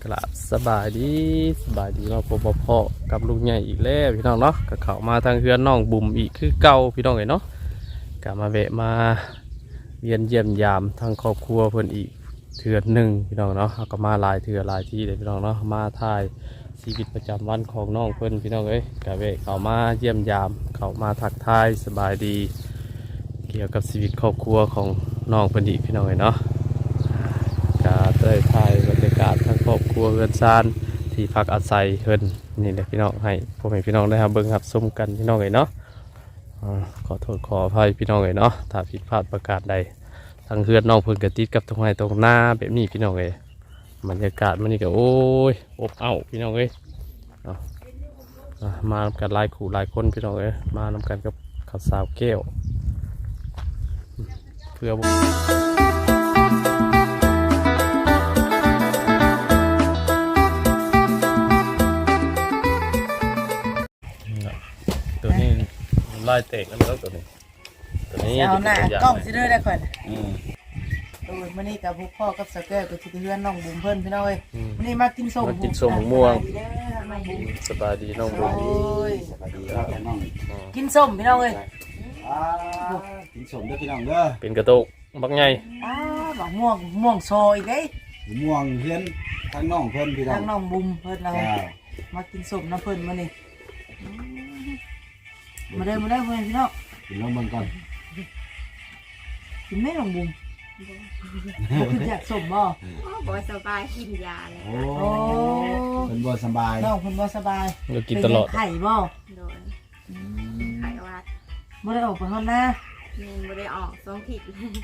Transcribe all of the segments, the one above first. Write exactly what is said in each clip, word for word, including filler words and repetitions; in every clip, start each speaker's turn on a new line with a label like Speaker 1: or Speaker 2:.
Speaker 1: กราบสบายดีสบายดีเราพบพ่อกับลุงใหญ่อีกแล้วพี่น้องเนาะก็เข้ามาทางเฮือนน้องบุ๋มอีกคือเก่าพี่น้องเอ๋ยเนาะก็มาแวะมาเยี่ยมเยี่ยมยามทางครอบครัวเพิ่นอีกเทื่อหนึ่งพี่น้องเนาะก็มาหลายเทื่อหลายที่เลยพี่น้องเนาะมาถ่ายชีวิตประจำวันของน้องเพิ่นพี่น้องเอ้ยก็แวะเข้ามาเยี่ยมยามเข้ามาทักทายสบายดีเกี่ยวกับชีวิตครอบครัวของน้องเพิ่นอีกพี่น้องเอ๋ยเนาะก็ได้ถ่ายบรรยากาศทั้งครอบครัวเฮือนซานที่พักอาศัยเพิ่นนี่แหละพี่น้องให้พ่อแม่พี่น้องได้ครับเบิ่งครับชมกันพี่น้องเอ๋ยเนาะขอโทษขออภัยพี่น้องเอ๋ยเนาะถ้าผิดพลาดประการใดทางเฮือนน้องเพิ่นก็ติดกับตรงไหนตรงหน้าแบบนี้พี่น้องเอ๋ยบรรยากาศมันนี่ก็โอ้ยอบอ้าวพี่น้องเอ๋ยเนาะมานำกันหลายคู่หลายคนพี่น้องเอ๋ยมานำกันกับข้าวสาวแก้วเพื่อตัวนี้ลายเตะกันแล้วตัวนี้ตัวนี้
Speaker 2: เอาหน้ากล้องสิเด้อได้ก่อน
Speaker 1: อืม
Speaker 2: โอ้ยมื้อนี้กับพวกพ่อกับสะแก้วก็สิไปเฮือนน้องบุ๋มเพิ่นพี่น้องเอ้ยมื้อนี้มากินส้ม
Speaker 1: มากินส้มม่วง
Speaker 2: สบายดีเด้อน้องบุ๋ม
Speaker 1: สบายดีน้องบุ๋ม
Speaker 2: โอ้ย
Speaker 3: สวัสดีครับน้อง
Speaker 2: กินส้มพี่น้องเอ้ย
Speaker 3: อ่ากินสมเด้อพี่น้องเด้อ
Speaker 1: เป็นกระตุกบักใหญ่
Speaker 2: อ้าบักม่วงม่วงโซอีกเด้
Speaker 3: ม่วงเฮือนทางน้องเพิ่นพี่น้อ
Speaker 2: ทาง งน้องบุ๋มเพิ่นเรา
Speaker 3: จ้า
Speaker 2: มากินส้มน้ำเพิ่นมื้อนี้มาเด้อมาเด้อเพิ่นพี่น้อง
Speaker 3: กินลงเบิ่งก่อน
Speaker 2: กินแม่น้องบุ๋มบ่คืออยากส้มบ่
Speaker 4: บ่สบายกินยาเลย
Speaker 3: โอ้
Speaker 2: โอ้
Speaker 3: เพิ่นบ่สบาย
Speaker 2: น้องเพิ่นบ่สบาย
Speaker 1: เรากินตลอด
Speaker 2: เป็นไข้บ่
Speaker 4: โดยไขวัด
Speaker 2: บ่ได้ออกไปข้างหน้า
Speaker 4: เมนบ่ได้ออกสองทิศ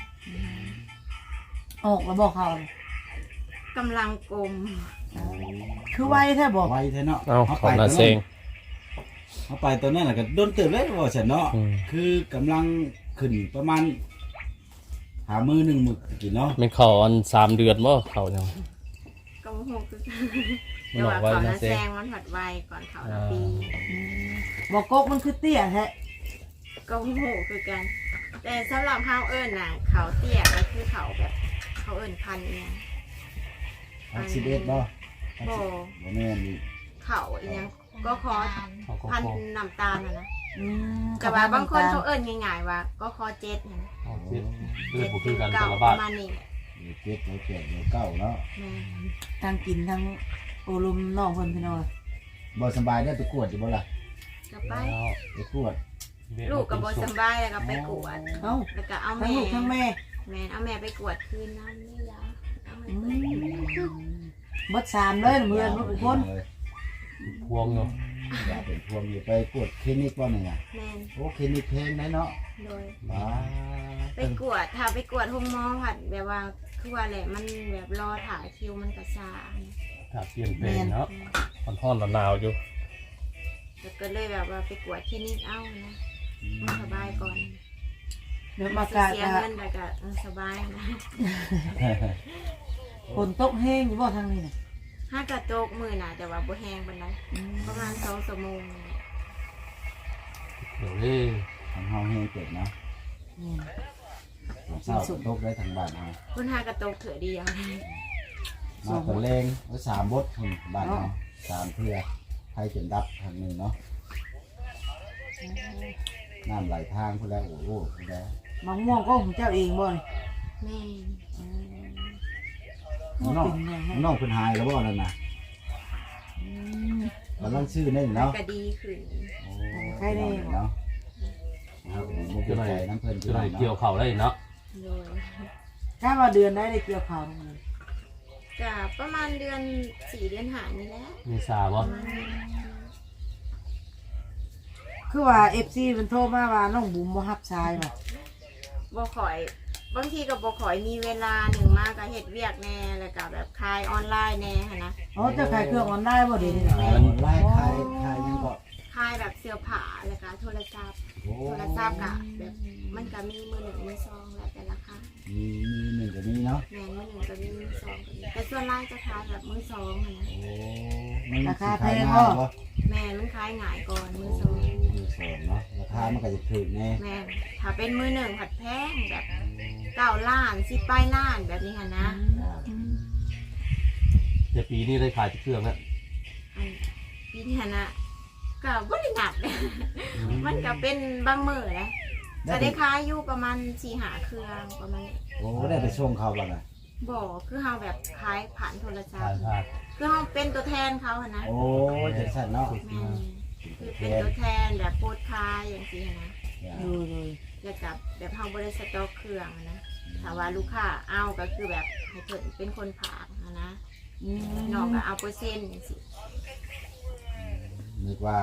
Speaker 2: ออกแล้วบอกเขา
Speaker 4: กำลังกลม
Speaker 2: คือไวแท้บอก
Speaker 3: ไวแท้เนาะ
Speaker 1: เอาขอหน้าเซง
Speaker 3: เอาไปตัวนั้นน่ะก็โดนตื่นเลยว่าซั่นเนาะ
Speaker 1: อืม
Speaker 3: คือกำลังขึ้นประมาณหามือหนึ่งมื้อกินเนาะ
Speaker 1: เป็นเขาอันสามเดือนบ่เขาเนี่ย
Speaker 4: กำหกคือ
Speaker 1: มัน
Speaker 4: แต่
Speaker 1: ออ
Speaker 4: ว่าก
Speaker 1: ไว้
Speaker 4: เขา
Speaker 1: นะ
Speaker 4: ละ
Speaker 1: เซ
Speaker 4: แซ
Speaker 1: ง
Speaker 4: งมันผัดไวก่อนเขาละปี
Speaker 2: บอกกกมันคือเตี้ยแท้
Speaker 4: กำหกคือกัน แต่สำหรับเฮาเอิ้นน่ะเขาเตี้ยก็คือเขาแบบเขาเอิ้นพันธุ์เนี่ย
Speaker 3: อักซิเดตบ่
Speaker 4: บ่
Speaker 3: บ่แม่นนี่
Speaker 4: เขาอีหยังก็คอ
Speaker 1: เขาก็
Speaker 4: พัน
Speaker 1: พอ
Speaker 4: ธุ์น้ำตาลน่ะนะ
Speaker 2: อืม
Speaker 4: แต่ว่าบางคนเขาเอิ้นง่ายๆว่าก็คอเจ็ดเนี่ย
Speaker 1: เอาเจ็ดเลือ
Speaker 4: เจ็
Speaker 1: ด
Speaker 4: ด
Speaker 1: บุคื
Speaker 4: ถึ
Speaker 1: อง กันแต่
Speaker 4: เก้า
Speaker 1: ละ
Speaker 4: ป
Speaker 1: บาท
Speaker 4: ระมาณนี้แหละ
Speaker 3: เดี๋ยวเจ็ดเดี๋ยวแปดเดี๋ยวเก้าเนาะ
Speaker 4: แม่
Speaker 2: ทั้งกินทั้งโอลมน้องเพิ่นพี่น้อง
Speaker 3: บ่สบายได้ไปกวดอยู่บ่ล่ะ
Speaker 4: ก็ไป
Speaker 3: ไปกวด
Speaker 4: ลูกกับบสำบายแล้วก็ไปกวด
Speaker 2: เอ้า
Speaker 4: แล้วก็เอา
Speaker 2: ทั้ง
Speaker 4: แม่
Speaker 2: ลูกทั้งแม่
Speaker 4: แม่เอาแม่ไปกวดคืนน้ำนี่ยาเอาแม่
Speaker 2: อื
Speaker 4: ไป
Speaker 2: มเบิดสามเลยเพื่อนลูกคน
Speaker 1: พวงเนาะ
Speaker 3: อย่าเป็นพวงอยู่ไปกวดคลินิกว่านี่ไง
Speaker 4: แม่น
Speaker 3: โอ้คลินิกแพงได้เนาะ
Speaker 4: โดย
Speaker 3: ว้า
Speaker 4: ไปกวดถ้าไปกวดห้องหมอผัดแบบว่าคือว่าแหละมันแบบรอถ่ายคิวมันกระชา
Speaker 1: ถ้าเปลี่ยนเพลงเนาะมันห้อนหนาวอยู่
Speaker 4: แล้วก็เลยแบบว่าไปกวดคลินิกเอานะมันสบายก่อน
Speaker 2: เดี๋ยวมากา
Speaker 4: เสีย
Speaker 2: กะ
Speaker 4: เงินแต่ก็เออสบายนะ
Speaker 2: ฝนตกแห้งอยู่บ่ทางนี้น่ะ
Speaker 4: ห้ากระโจกมือน่ะแต่ว่าบ่แห้งปานใดประมาณสองชั่วโมง
Speaker 1: เดี๋ยวนี้
Speaker 3: ทางเฮาแห้งเกิดเนาะ
Speaker 2: อืม
Speaker 3: เศร้าตกได้ทางบ้านเฮา
Speaker 4: คุณห้ากระโจกเถื่อเดียว
Speaker 3: มาตะเลงไว้สามบทพุ่นบ้านเฮาสามเทื่อใครจนดับทางหนึงเนาะน้ำไหลทางพุ่นแล้วโอ้โหพุ่นแล้ว
Speaker 2: มะม่วงก็ของเจ้าเองบ่นี่
Speaker 4: แม่
Speaker 3: น้อง
Speaker 2: เป็นไงฮะ
Speaker 3: น้องเพิ่นหายแล้วบ่นั่นน่ะ
Speaker 2: อืม
Speaker 3: กำลังซื้อได้
Speaker 4: แล้ว
Speaker 3: เนาะ
Speaker 4: ก็ดีขึ้น
Speaker 3: โอ้เนาะเอาผมบ่
Speaker 1: จะ
Speaker 3: เข้า
Speaker 1: หน่อย
Speaker 3: ใจน้ำเพิ่น
Speaker 1: จะหน่อย
Speaker 3: เนาะ
Speaker 1: เกี่ยวเข่าได้เนาะ
Speaker 4: โดย
Speaker 2: ถ้าว่าเดือนได้ได้เกี่ยวข้าวทั้งนั้น
Speaker 4: ก็ประมาณเดือนสี่เดือนหานี่แหละ
Speaker 1: มีซาบ่
Speaker 4: ประมาณนี้
Speaker 2: คือว่า เอฟ ซี เพิ่นโทรมาว่าน้องบุ๋มบ่รับสายบ่
Speaker 4: บ่ข่อยบางทีก็บ่ข่อยมีเวลาหนึ่งมากก็เฮ็ดเวียกแน่แล้วก็แบบขายออนไลน์แน่หั่นนะ
Speaker 2: อ๋อเจ้าขายเครื่องออนไลน์บ่เดี๋ยวนี้น่ะ
Speaker 3: มันไล่ใครใครยังก็
Speaker 4: ขายแบบเสื้อผ้าแล้วก็โทรศัพท์
Speaker 3: โอ้
Speaker 4: โทรศัพท์ก็แบบมันก็มีมือหนึ่งมือสองแล้วแต่ราคา
Speaker 3: มีมีหนึ่งกับนี้เนาะ
Speaker 4: แม่นมือหนึ่งก็มีมือสองก็มีแต่ส่วนไลน์จะขายแบบมือสองหั่นนะ
Speaker 3: โอ้มันสิขายง่ายบ่
Speaker 4: แม่นมันขายง่ายก่อนมือสอง
Speaker 3: มือสองเนาะราคามันก็จะถูกแน่
Speaker 4: แม่นถ้าเป็นมือหนึ่งผัดแพงแบบเก้าล้านสิบปลายล้านแบบนี้ค่ะนะ
Speaker 3: อ่า
Speaker 1: แต่ปีนี้ได้ขายเครื่องแล้ว
Speaker 4: อันปีนี้นะก็บ่ได้นับเลยมันก็เป็นบางมื้อนะจะได้ขายอยู่ประมาณสี่หาเครื่องประมาณนี้
Speaker 3: โอ้ได้ไปส่งเขาบ่ล่ะ
Speaker 4: บ่คือเฮาแบบขายผ่านโทรศัพ
Speaker 1: ผ่าน
Speaker 4: ท์
Speaker 1: ผ่าน
Speaker 4: คือเฮาเป็นตัวแทนเขาอะนะ
Speaker 3: โอ้จังซั่นเนาะ
Speaker 4: แม่นคือเป็นตัวแทนแบบโพสต์ขายอย่างซี่นะ
Speaker 2: ดูเลย
Speaker 4: แล้วกับแบบเฮาบ่ได้สต็อกเครื่องอะนะถ้าว่าลูกค้าเอาก็คือแบบให้เพิ่นเป็นคนผากอะนะ
Speaker 2: อืม
Speaker 4: น้องก็เอาเปอร์เซ็นต์จังซี่
Speaker 3: นึกว่า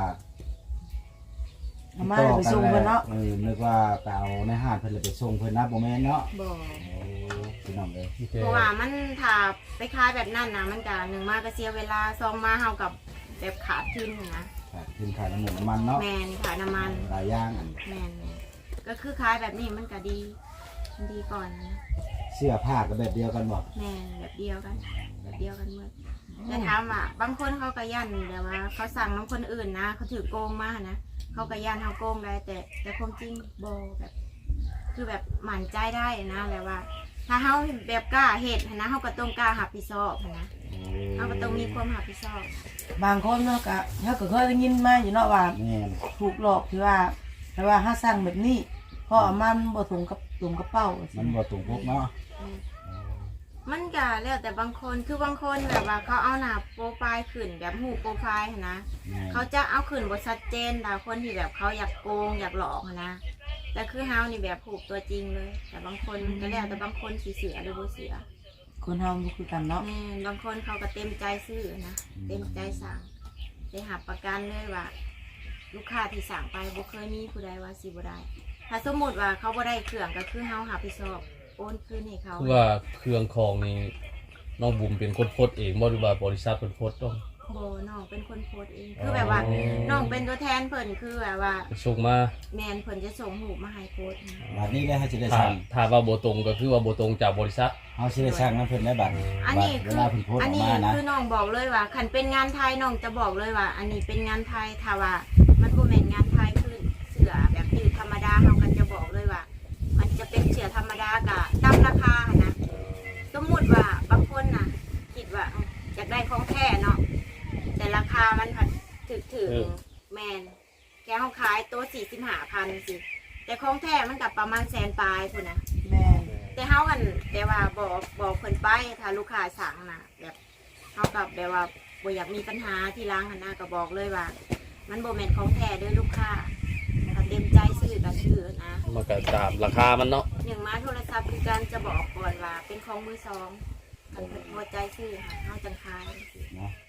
Speaker 2: เอามาไปส่งเพิ่นเนาะ
Speaker 3: เออนึกว่าไปเอาในห้างเพิ่นเลยไปส่งเพิ่นนะบ่แม่นเนาะ
Speaker 4: บ่
Speaker 3: โอ้พี่น้องเอ้ย
Speaker 1: มีแต่
Speaker 4: เพราะว่ามันถ้าไปขายแบบนั้นนะมันก็หนึ่งมาก็เสียเวลาสองมาเฮากับแบบขาดทุนนะ
Speaker 3: ขาดทุนขายน้ำมันน้ำมันเนาะ
Speaker 4: แมนขาดน้ำมัน
Speaker 3: หลายอย่างอัน
Speaker 4: แมนแม่นก็คือขายแบบนี้มันก็ดีมันดีก่อนนะ
Speaker 3: เสื้อผ้าก็แบบเดียวกันบ่
Speaker 4: แมนแบบเดียวกัน แบบเดียวกันหมดแต่ถามว่าบางคนเขาก็ยันแต่ว่า เขาสั่งน้ำคนอื่นนะเขาถือโกงมานะเขาก็ยันเขาโกงได้แต่แต่ความจริงโบแบบ คือแบบหมั่นใจได้นะแต่ว่า ถ้าเขาแบบกล้าเหตุนะเขาก็ต้องกล้าหับผิดชอบนะเขาก็ต้องมีความหับผิดชอบ
Speaker 2: บางคนเนาะก็เฮาก็เคยได้ยินมาอยู่เนาะว่า
Speaker 3: แม่น
Speaker 2: ถูกหลอกที่ว่าแต่ว่าถ้าสั่งแบบนี้เพราะเอามันบ่ถุงกับถุงกระเป๋า
Speaker 3: มันบ่ตรงปกเนาะ
Speaker 4: มันก็แล้วแต่บางคนคือบางคนแบบว่าเขาเอาหน้าโปรไฟล์ขึ้นแบบหูโปรไฟล์หั้นนะ
Speaker 3: แม่น
Speaker 4: เขาจะเอาขึ้นบทชัดเจนแต่คนที่แบบเขาอยากโกงอยากหลอกหั้นนะแต่คือเฮานี่แบบผูกตัวจริงเลย แต่บางคนก็แล้วแต่บางคนสีเสือหรือบ่เสือ
Speaker 2: คนเฮาบ่คือกันเนาะ
Speaker 4: แม่นบางคนเขาก็เต็มใจซื้อนะเต็มใจสั่งได้หับประกันเลยว่า ลูกค้าที่สั่งไปบ่เคยมีผู้ใดว่าสิบ่ได้ ถ้าสมมติว่าเขาบ่ได้เครื่องก็คือเฮาหาผิดชอบโอนคืนให้เขา
Speaker 1: คือว่าเครื่องของนี่น้องบุ๋มเป็นคนโพสต์เองบ่หรือว่าบริษัทเป็นโพสต์ต้อง
Speaker 4: โบน้องเป็นคนโพสต์เอง คือแบบว่าน้องเป็นตัวแทนเพิ่นคือแบบว่า
Speaker 1: ไปส่งมา
Speaker 4: แมนเพิ่นจะส่งหูปมาให้โพสต์นะ
Speaker 3: บัดนี้เลยเฮาสิได้
Speaker 1: ถ้า
Speaker 3: สั่ง
Speaker 1: ถ้าว่าบ่ตรงก็คือว่าบ่ตรงจากบริษัท
Speaker 3: เฮาสิได้สั่งนํเพิ่นได้บัด
Speaker 4: อัน
Speaker 3: บัด
Speaker 4: นี้
Speaker 3: เว
Speaker 4: คือ
Speaker 3: ลาเพิ่นโพสต์อ
Speaker 4: อั
Speaker 3: อน ก
Speaker 4: นี้
Speaker 3: มานะ
Speaker 4: คือน้องบอกเลยว่าคันเป็นงานไทยน้องจะบอกเลยว่า อันนี้เป็นงานไทยถ้าว่ามันบ่แม่นงานไทยคือเสื้อแบบยืดธรรมดาเฮาก็จะบอกเลยว่า มันจะเป็นเสื้อธรรมดาก็ตามราคาหั้นนะสมมุติว่าบางคนน่ะคิดว่าเอ้าอยากได้ของแท้เนาะแต่ราคามันผัดถึกถึงแมนแกเขาขายตัวสี่สิบห้าพันสิแต่ของแท้มันกับประมาณแสนปลายพุ่นนะ
Speaker 2: แม่น
Speaker 4: แต่เฮากันแต่ว่าบอกบอกเพิ่นไปถ้าลูกค้าสั่งนะแบบเฮากับแบบว่าบ่อยากมีปัญหาที่ร้านหันหน้าก็บอกเลยว่า มันบ่แม่นของแท้เด้อลูกค้าถ้าเต็มใจซื้อก็ซื้อนะ
Speaker 1: มันก็ตามราคามันเนาะ
Speaker 4: อย่างมาโทรศัพท์คือการจะบอกก่อนว่าเป็นของมือสองคันเพิ่นพอใจซื้อค่ะเฮาจังขาย
Speaker 3: เนาะ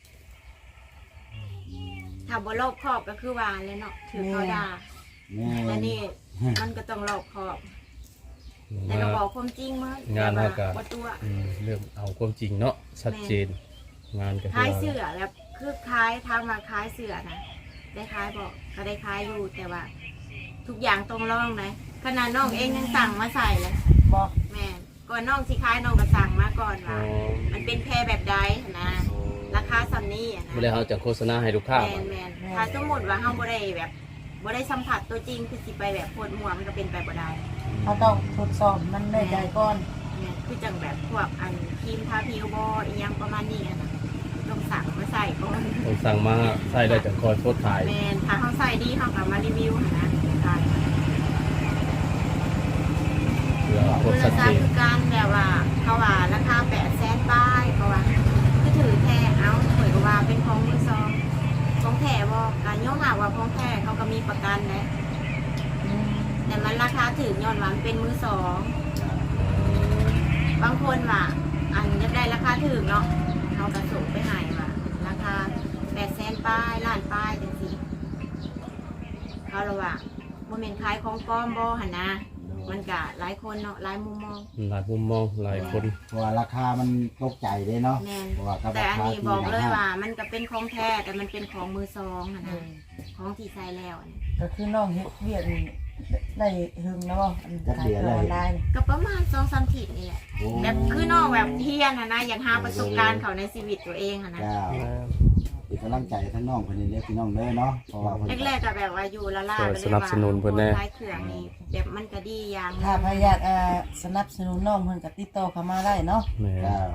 Speaker 4: ถ้าบ่รอบคอบก็คือว่าเลยเนาะถือเขาด่า
Speaker 3: แม่
Speaker 4: แต่
Speaker 3: น
Speaker 4: นี่มันก็ต้องรอบคอบ แต่ก็บอกความจริงมั้
Speaker 1: งานเฮาก็
Speaker 4: บ่ตัว
Speaker 1: อืมเริ่มเอาความจริงเนาะชัดเจน งานก็
Speaker 4: คล้ายเสือแบบคือคล้ายทำมาคล้ายเสือนะได้คล้ายบอกก็ได้คล้ายอยู่แต่ว่า ทุกอย่างตรงร่องนะขนาดน้องเองยังสั่งมาใส่เลย
Speaker 2: บ่
Speaker 4: แม่นก่อนน้องสิคล้ายน้องก็สั่งมาก่อน
Speaker 1: อ๋อ
Speaker 4: ว่ามันเป็นแพรแบบใดนะราคาซัมนี่อะนะ
Speaker 1: บ่ได้เฮาจะโฆษณาให้ลูกค้า
Speaker 4: แมนแมนถ้าสมมติว่าเฮาบ่ได้แบบบ่ได้สัมผัสตัวจริงคือสิไปแบบโพดหัวมันก็เป็นไปบ่ได้
Speaker 2: เขาต้องทดสอบมันได้ใจก่อน
Speaker 4: แม่นคือจังแบบพวกอันครีมทาผิวบ่อีหยังประมาณนี้อะนะต้องสั่งมาใส่ก่อน
Speaker 1: ต้องสั่งมาใส่ได้จังคอยโพสต์ขาย
Speaker 4: แมนถ้าเขาใส่ดีเขาก็มารีวิวหั่นนะใช่
Speaker 1: เพื่อโพ
Speaker 4: คื
Speaker 1: ส
Speaker 4: อ
Speaker 1: ต์ชั
Speaker 4: รา
Speaker 1: ด
Speaker 4: คา
Speaker 1: เจน
Speaker 4: คือการแบบว่าเขาว่าราคาแปดแสนป้ายเขาว่าคือถือแท้เอาเหมือนกับว่าเป็นของมือสองของแท้บ่การย่อมหาว่าของแท้เขาก็มีประกันนะ
Speaker 2: อืม
Speaker 4: แต่มันราคาถือย้อนว่ามันเป็นมือสองบางคนว่าอันจะได้ราคาถือเนาะเขากระส่งไปใหายว่าราคาแปดแสนป้ายล้านป้ายจังสิเขาระว่าโมเมนต์ขายของปลอมบ่หันนะมันกะหลายคนเนาะหลายมุมมอง
Speaker 1: หลายมุมมองหลายคน
Speaker 3: เพราะว่าราคามันตกใจเด้เนาะ
Speaker 4: แมน
Speaker 3: เพราะว่ากับ
Speaker 4: แต่
Speaker 3: รา
Speaker 4: อัน
Speaker 3: คา
Speaker 4: นี้
Speaker 3: ที่
Speaker 4: บอกเลย
Speaker 3: ห้าง
Speaker 4: ว่า มันก็เป็นของแท้แต่มันเป็นของมือสองหัน
Speaker 2: เอ
Speaker 4: นะ
Speaker 2: อ
Speaker 4: ของที่ใส่แล้วอันนี้
Speaker 2: ก็คือน้องเฮ็ดเวียกนี่ได้หึงนะบ่อันขายเครื่องออนไลน์นี่
Speaker 4: ก็ประมาณสองสามถิดนี่แหละ
Speaker 3: โอ้
Speaker 4: แบบคือน้องแบบเฮียนนะนะอยากหาประสบการณ์เขาในชีวิตตัวเองอะนะ
Speaker 3: เจ้าเป็นกำลังใจทั้งน้องคนนี้เล็กพี่น้องเด้อเนาะเพราะว่าเพิ่น
Speaker 4: แรกๆก็แบบว่าอยู่ละล่า
Speaker 1: สนับสนุนเพิ่นแน่
Speaker 4: คล้ายเครื่องนี่แบบมันก็ดีอย่าง
Speaker 2: ถ้าพยายามเอ่อสนับสนุนน้องเพิ่นก็ติดต่อเข้ามาได้เนาะ
Speaker 1: แหม่
Speaker 3: เจ้า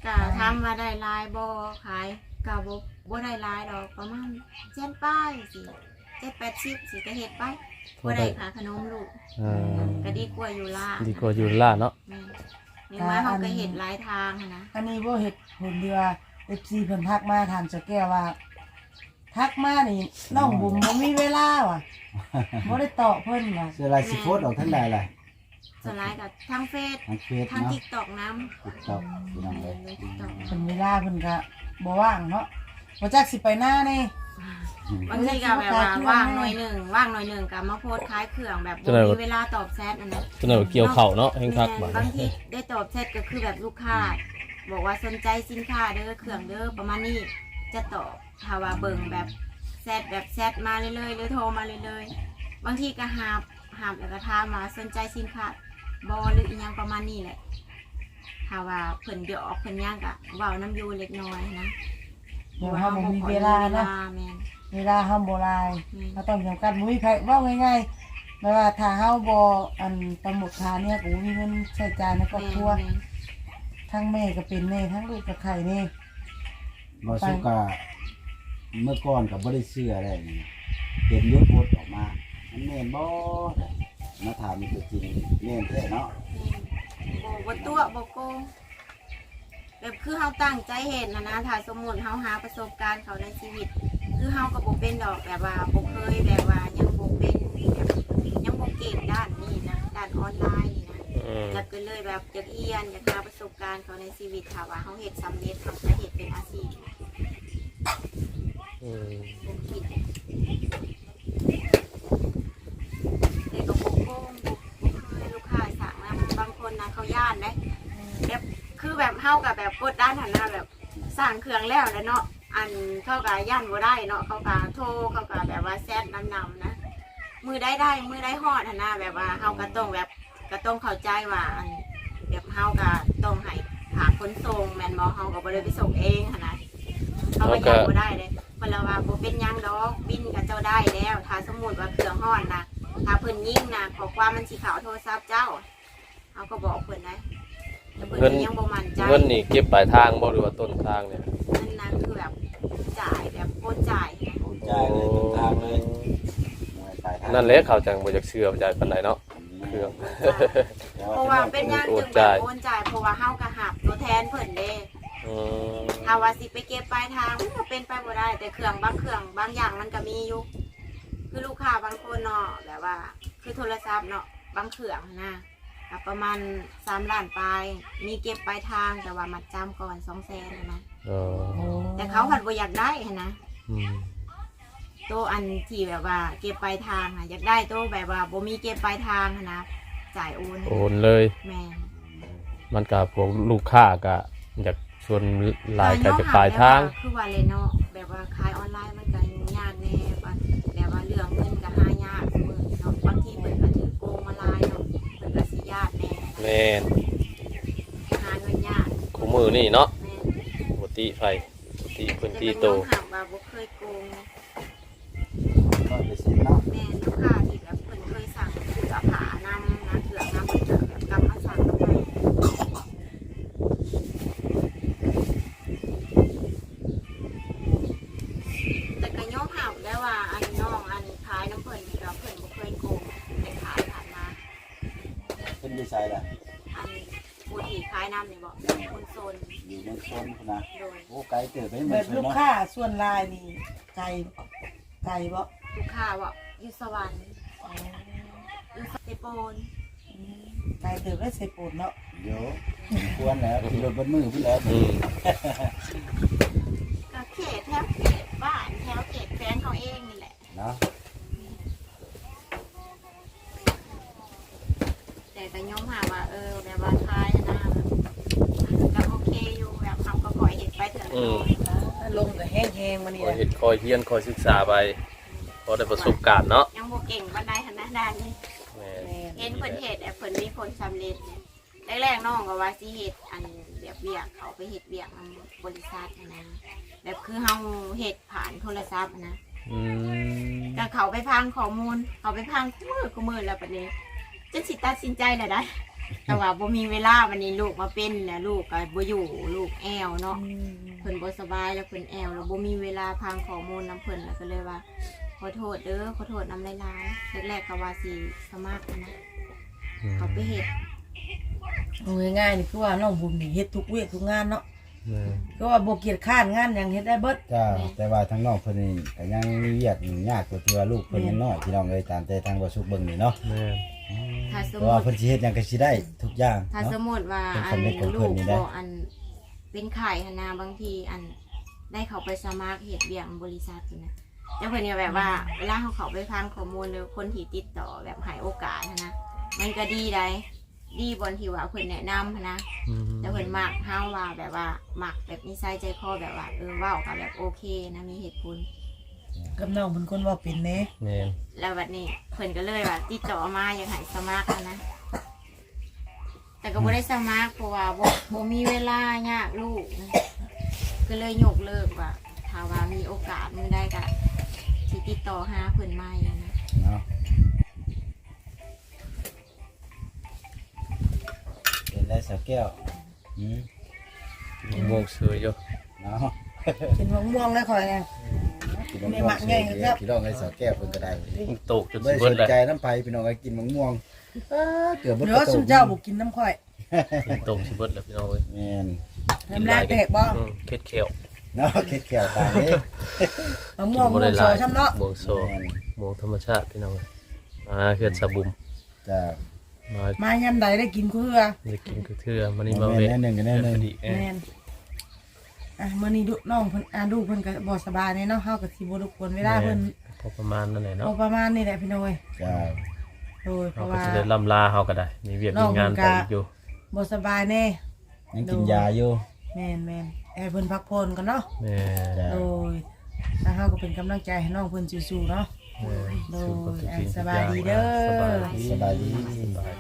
Speaker 4: ก็ทำมาได้หลายบ่ขายก็บ่บ่ได้หลายดอกประมาณเจ็ดป้ายสิเจ็ดแปดสิบสิก็เฮ็ดไปบ่ได้ค่าขนมลูก
Speaker 1: อ่า
Speaker 4: ก็ดีกว่าอยู่ล่า
Speaker 1: ดีกว่าอยู่ล่าเนาะ
Speaker 4: แม่นนี่มาเฮาก็เฮ็ดหลายทางหั้นนะ
Speaker 2: อันนี้บ่เฮ็ดผลที่ว่า เอฟ ซี เพิ่นทักมาถามเจ้าแก้วว่า ทักมานี่น้องบุ๋มบ่มีเวลาว่ะบ่ได้ตอบเพิ่นว่ะ
Speaker 3: เสื้อลายสิโพสต์ออกทั้งใดล่ะ
Speaker 4: ส่วนหลายก็ทางเฟซ
Speaker 3: ทางเฟซ
Speaker 4: ทาง
Speaker 3: เนาะ
Speaker 4: TikTok นำ
Speaker 3: ติ๊กต็อกพี่น้องเลย
Speaker 4: TikTok
Speaker 2: เพิ่นเวลาเพิ่นก็บ่ว่างเนาะบ่จักสิไปหน้าแน่
Speaker 4: บางทีก็แบบว่าว่างหน่อยหนึ่งว่างหน่อยหนึ่งก็มาโพสต์ขายเครื่องแบบบ่มีเวลาตอบแชทอันนั้น
Speaker 1: จนว่าเกี่ยวเข่าเนาะแห่งคัก
Speaker 4: แม่
Speaker 1: บาด
Speaker 4: นบางทีได้ตอบแชทก็คือแบบลูกค้า บอกว่าสนใจสินค้าเด้อเครื่องเด้อประมาณนี้จะตอบถ้าว่าเบิ่งแบบแชทแบบแชทมาเรื่อยๆหรือโทรมาเรื่อยๆบางทีก็หาบหาบแล้วก็ถามมาสนใจสินค้าบ่หรืออีหยังประมาณนี้แหละถ้าว่าเพิ่นเดี๋ยวออกเพิ่นย่างก็เว้าน้ำอยู่เล็กน้อยนะ
Speaker 2: เดี๋ยวเฮาบ่มีเวลาเนาะ
Speaker 4: แม่น
Speaker 2: เวลาเฮาบ่หลาย
Speaker 4: แม่น
Speaker 2: เราต้องจำกัดบ่มีไผเว้าง่ายๆแม่ว่าถ้าเฮาบ่อันตำหมดทานเนี่ยก็บ่มีเงินใช้จ่ายในครอบครัว
Speaker 4: แม่น
Speaker 2: ทั้งแม่ก็เป็นแน่ทั้งลูกก็ไข่แน่
Speaker 3: บ่สุกะเมื่อก่อนก็บ่ได้เชื่ออะไรนี่เห็นยศโพสต์ออกมามันแม่นบ่มาถามมีตัวจริงแม่นแท้เนาะ
Speaker 4: บ่บ่ตัวบ่โกงแบบคือเฮาตั้งใจเห็นนะนะถ้าสมมุติเฮาหาประสบการณ์เขาในชีวิต คือเฮาก็บ่เป็นดอกแบบว่าบ่เคยแบบว่ายังบ่เป็นแบบยังบ่เก่งด้านนี้นะด้านออนไลน์นี่นะ
Speaker 1: อืม
Speaker 4: แล้วก็เลยแบบอยากเรียนอยากหาประสบการณ์เขาในชีวิตถ้าว่าเฮาเฮ็ดสำเร็จเฮาจะเฮ็ดเป็นอาชีพ
Speaker 1: อืม
Speaker 4: บ่คิดแต่ก็บ่โกงบ่บ่เคยลูกค้าสั่งนะบางคนนะเขาย่านเด้ แบบคือแบบเฮากับแบบกดด้านหันหน้าแบบสร้างเครื่องแล้วแหล้วเนาะอันเขากับย่านบ่ได้เนาะเขากับโทรเขากับแบบว่าแซดนำนำนะมือได้ได้มือได้ฮอดหันหน้าแบบว่าเฮาก็ต้องแบบก็ต้องเข้าใจว่าอันแบบเฮาก็ต้องให้หาขนส่งแม่นบ่เฮาก็บ่ได้ไปส่งเองหันนะเขาก็ย่านบ่ได้เลยเพิ่นละว่าบ่เป็นหยังดอกบินกับเจ้าได้แล้ว ถ้าสมมุติว่าเครื่องฮอดนะถ้าเพิ่นยิงนะขอความมันสิเข้าโทรศัพท์เจ้าเฮาก็บอกเพิ่นได้แต่เพิ่นก็ยังบ่มั่นใจ
Speaker 1: เงินนี่เก็บปลายทางบ่หรือว่าต้นทางเนี่ย
Speaker 4: นั่นนะคือแบบจ่ายแบบโอนจ่ายนะ
Speaker 3: โอนจ่ายเลยต้นทางเลยปลายทาง
Speaker 1: นั่นแหละเขาจังบ่อยากเชื่อบ่จ่ายปานใดเนาะเครื่อง
Speaker 4: เพราะว่าเป็นอย่าง
Speaker 1: โอ
Speaker 4: จึ
Speaker 1: น
Speaker 4: งแบ
Speaker 1: จ่า
Speaker 4: บ
Speaker 1: ย
Speaker 4: โอนจ่ายเพราะว่าเฮากระหับตัวแทนเพิ่นเด้
Speaker 1: อืม
Speaker 4: ถ้าว่าสิไปเก็บปลายทางมันก็เป็นไปบ่ได้ แต่เครื่องบางเครื่องบางอย่างมันก็มีอยู่คือลูกค้าบางคนเนาะแบบว่า คือโทรศัพท์เนาะบางเครื่องนะก็ประมาณสามล้านปลายมีเก็บปลายทางแต่ว่ามัดจำก่อนสองแสนนะ
Speaker 1: เออ
Speaker 4: แต่เขาผัดบ่อยากได้หั้นนะ
Speaker 1: อืม
Speaker 4: โตวอันที่แบบว่าเก็บปลายทางอะอยากได้โตวแบบว่าบ่มีเก็บปลายทางหั้นนะจ่ายโอน
Speaker 1: โอนเลย
Speaker 4: แม่น
Speaker 1: มันก็พวกลูกค้าก็อยากชวนหลายก็จะปลายทาง
Speaker 4: คือว่าเลยเนาะแบบว่าขายออนไลน์มันก็ยุ่งยากแน่ว่าแบบว่าเรื่องเงินก็หายากมื้อเนาะบางทีเพิ่นก็ถือโกงมาหลายเนาะเพิ่นก็สิยากแน่
Speaker 1: แม่น
Speaker 4: หาเงินยาก
Speaker 1: คู่มือนี่เนาะ
Speaker 4: แม่น
Speaker 1: บ่ติไฟบ่ติเพิ่น
Speaker 4: แต่
Speaker 1: ตี
Speaker 4: เป็น
Speaker 1: โต
Speaker 4: น้องหักว่าบ่เคยโกง
Speaker 3: ร้อยเปอร์เซ็นต์เนาะ
Speaker 4: แม่นลูกค้าที่แบบเพิ่นเคยสั่งเสื้อผ้านำนะเครื่องนำเพิ่นก็แบบกลับมาสั่งนำให้ แต่ก็ยอมรับได้ว่าอันน้องอันขายน้ำเพิ่นนี่ก็เพิ่นบ่เคยโกงแต่ขายผ่านมา
Speaker 3: เป็นดีไซน์ล่ะ
Speaker 4: อันผู้ที่ขายน้ำนี่บอกคนโซน
Speaker 3: อยู่เมืองชนพุ่นนะ
Speaker 4: โดย
Speaker 3: โอ้ไกลเติบไปเมื
Speaker 2: แบ
Speaker 3: อง
Speaker 2: บ
Speaker 3: ชน
Speaker 2: ลูก
Speaker 3: เนาะ
Speaker 2: ค้าส่วนลายนี่ไก่ไก่บ่
Speaker 4: ลูกค้าบอกอยู่สวรรค์อยู่สเตโปน
Speaker 2: ไก่เติบได้ใส่ปูนเนาะ
Speaker 3: เดี๋ยวควรแล้วขี่รถบนมือพุ่นแล้ว
Speaker 1: อืม
Speaker 4: ก็เขตแถวเขตบ้านแถวเขตแฟนเขาเองนี่แหละ
Speaker 3: เนาะ
Speaker 4: แต่ก็ยอมหาว่าเออแบบว่าขายนะก็โอเคอยู่แบบทำก็ขอยเห็นไปเถอะ
Speaker 1: อืม
Speaker 2: ลมก็แห้งๆมานี่
Speaker 1: คอย
Speaker 2: นะ
Speaker 1: เฮ็ดคอยเฮียนคอยศึกษาไปพอได้ประสบการณ์เนาะ
Speaker 4: ยังบ่เก่งบันไดขนาดนั้นนี่
Speaker 1: แม่
Speaker 2: แม่
Speaker 4: เห็นเพิ่นเฮ็ดแต่เพิ่นมีผลสำเร็จเนี่ยแรกๆน้องก็ว่าสิเฮ็ดอันแบบเวียกเขาไปเฮ็ดเวียกนำบริษัทนะแบบคือเฮาเฮ็ดผ่านโทรศัพท์นะ
Speaker 1: อืม
Speaker 4: ก็เขาไปพังข้อมูลเขาไปพังคู่มือคู่มือแล้วปะนี้จนสิตัดสินใจแล้วได้แต่ว่าบ่มีเวลาวันนี้ลูกมาเป็นแล้วลูกก็บ่อยู่ลูกแอวเนาะเพิ่นบ่สบายแล้วเพิ่นแอวแล้วบ่มีเวลาพังข้อมูลนํเพิ่นแล้วก็เลยว่าขอโทษเด้อขอโทษนำหลายๆแรกๆก็ว่าสิสมัครนะเขาไปเฮ็ด
Speaker 2: เอาง่ายๆนี่คือว่าน้องบุญนี่เฮ็ดทุกเวททุกงานเนาะ
Speaker 1: แม่น
Speaker 2: ก็ว่าบ่เกียจค้านงานหยังเฮ็ดได้เบิด
Speaker 3: จ้าแต่ว่าทางน้องเพิ่นนี่ก็ยังมีเวียกอยู่ยากกว่าตัวลูกเพิ่นยังน้อยพี่น้องเอ้ยตามแต่ทางบ่สุกเบิ่งนี่เนาะ
Speaker 1: แม่น
Speaker 4: ถ้าสม
Speaker 3: เพราะ
Speaker 4: มุ
Speaker 3: ว่า
Speaker 4: ติ
Speaker 3: เพิ่นสิเฮ็ดหยังก็สิได้ทุกอย่าง
Speaker 4: ถ้าส
Speaker 3: เนาะ
Speaker 4: มมุติว่า
Speaker 3: เป็น
Speaker 4: อั
Speaker 3: สำเร็จของ
Speaker 4: น
Speaker 3: เพิ่
Speaker 4: ลู
Speaker 3: น
Speaker 4: ก
Speaker 3: นี่ได้
Speaker 4: บ่อันเป็นไข่หนนาบางทีอันได้เขาไปสมัครเฮ็ดเวียงบริษัทอยู่นะแต่เพิ่นก็แบบว่าเวลาเขาเขาไปฟังข้อมูลหรือคนที่ติดต่อแบบให้โอกาสหั้นนะมันก็ดีได้ดีบนที่ว่าเพิ่นแนะนำหั้นนะ
Speaker 1: อืม
Speaker 4: แต่เพิ่นมักเฮาว่าแบบว่ามักแบบนิสัยใจคอแบบว่าเออเว้าก็แบบโอเคนะมีเหตุผล
Speaker 2: กับน้องเป็นคนเว้าเป็นแหน่
Speaker 1: แม่น
Speaker 4: แล้วบัดนี้เพิ่นก็เลยว่าติดต่อมาอยากให้สมัครหั้นนะแต่ก็บ่ได้สมัครเพราะว่าบ่บ่มีเวลายากลูกนะก็เลยยกเลิกว่าถ้าว่ามีโอกาสมื้อใดก็สิติดต่อหาเพิ่นใหม่นะ
Speaker 3: เนาะเป็นไรสาวแก้วอืม
Speaker 1: โมกเสืออยู่
Speaker 3: เนาะ
Speaker 2: เป็นมะม่วงแล้วข่อยน่ะ
Speaker 3: กินมะม่วงเฉยๆพี่น้องเอ้ยสาวแก้วเพิ่นก็ได้
Speaker 1: มันตกจน
Speaker 3: ไม่
Speaker 1: สิ
Speaker 3: ส
Speaker 1: เบิด
Speaker 3: น
Speaker 1: แล้ว
Speaker 3: ใจน้ำไผ่พี่น้องไอ้กินมะม่วงเอ้อเกือบเบิด
Speaker 2: เดี๋ยวสุเจ้าบ่กินน้ำข่อย
Speaker 1: มันตกสิเบิดแล้วพี่น้องเอ้ย
Speaker 3: แม่น
Speaker 2: น้ำลายแตกบ่
Speaker 1: อืมเค็ดเขียว
Speaker 3: เนาะเค็ดแขวตายนี้
Speaker 2: มะม่วงม่วงซอยช้ำเนาะ
Speaker 1: ม่วงโซ
Speaker 3: แม่น
Speaker 1: ม่วงธรรมชาติพี่น้องเอ้ยมาเฮือนสะบุม
Speaker 3: จะ
Speaker 1: มา
Speaker 2: มายามใดได้กินคือ
Speaker 1: ได้กินคือเทื่อมื้อนี้มา
Speaker 3: แม่
Speaker 1: เวะ
Speaker 3: นแน่หนึ่งกันแน่หนึ่ง
Speaker 1: พอดีเอ้ย
Speaker 2: แม่นอ่ะมื้อนี้ดุน้องเพิ่นอ่าดูเพิ่นก็บ่สบายแน่เนาะเฮาก็สิบ่รบกวนเวลาเพิ่น
Speaker 1: พอประมาณนั่นแหละ
Speaker 2: พ
Speaker 1: เนาะ
Speaker 2: อประมาณนี้แหละพี่น้อย
Speaker 3: จะ
Speaker 2: โดยเพ
Speaker 1: เรา
Speaker 2: ราะ
Speaker 1: ก็
Speaker 2: ว่า
Speaker 1: จะได้ล่ำลาเฮาก็ได้ มีเวียกมีงานไปอีกอยู่
Speaker 2: บ่สบายแน่
Speaker 3: ยังกินยาอยู่
Speaker 2: แม่นแม่นให้เพิ่นพักผ่อนก่อนเนาะ
Speaker 1: แม่
Speaker 3: จ้ะ
Speaker 2: โดยถ้าเฮาก็เป็นกำลังใจให้น้องเพิ่นสู้ๆเนาะ
Speaker 1: แม่
Speaker 2: โดย
Speaker 1: สู้กับทุกสิ่งทุก
Speaker 2: สบายดีเด้อ
Speaker 1: สบายดี
Speaker 3: สบายดี
Speaker 1: สบาย